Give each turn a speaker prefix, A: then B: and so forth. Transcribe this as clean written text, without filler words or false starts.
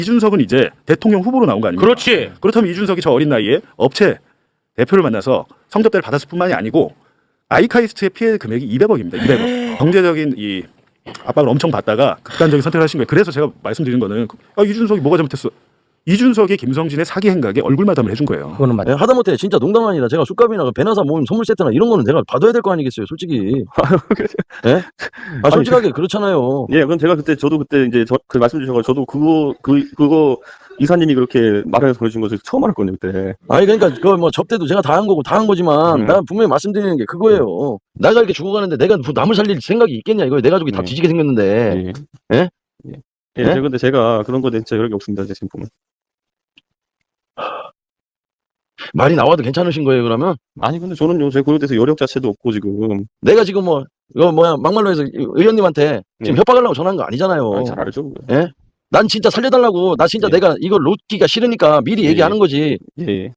A: 이준석은 이제 대통령 후보로 나온 거 아닙니까?
B: 그렇지.
A: 그렇다면 이준석이 저 어린 나이에 업체 대표를 만나서 성접대를 받았을 뿐만이 아니고 아이카이스트의 피해 금액이 200억입니다. 200억. 경제적인 이 압박을 엄청 받다가 극단적인 선택을 하신 거예요. 그래서 제가 말씀드린 거는 이준석이 뭐가 잘못했어? 이준석이 김성진의 사기 행각에 얼굴 마담을 해준 거예요.
B: 그거는 맞아.
C: 하다못해 진짜 농담 아니라 제가 쑥값이나 배나사 모임 선물 세트나 이런 거는 내가 받아야 될 거 아니겠어요, 솔직히. 예? 솔직하게 그렇잖아요.
D: 예, 그럼 제가 저도 그때 이제 그 말씀 주셔서 저도 그거 이사님이 그렇게 말해서 보내준 것을 처음 알았거든요, 그때.
C: 아니 그러니까 그 뭐 접대도 제가 다 한 거고 다 한 거지만 나 분명히 말씀드리는 게 그거예요. 내가 이렇게 죽어가는데 내가 남을 살릴 생각이 있겠냐 이거예요. 내 가족이 다 뒤지게 생겼는데.
D: 예.
C: 예?
D: 예,
C: 예?
D: 근데 제가 그런 거에 대해 진짜 여력이 없습니다, 지금 보면.
C: 말이 나와도 괜찮으신 거예요, 그러면?
D: 아니, 근데 저는요, 제 그에 대해서 여력 자체도 없고, 지금.
C: 내가 지금 뭐 이거 뭐야 막말로 해서 의원님한테 지금 협박하려고 전화한 거 아니잖아요.
D: 아, 잘 알죠.
C: 예? 난 진짜 살려달라고. 나 진짜
D: 예.
C: 내가 이거 놓기가 싫으니까 미리 얘기하는 거지.
D: 예.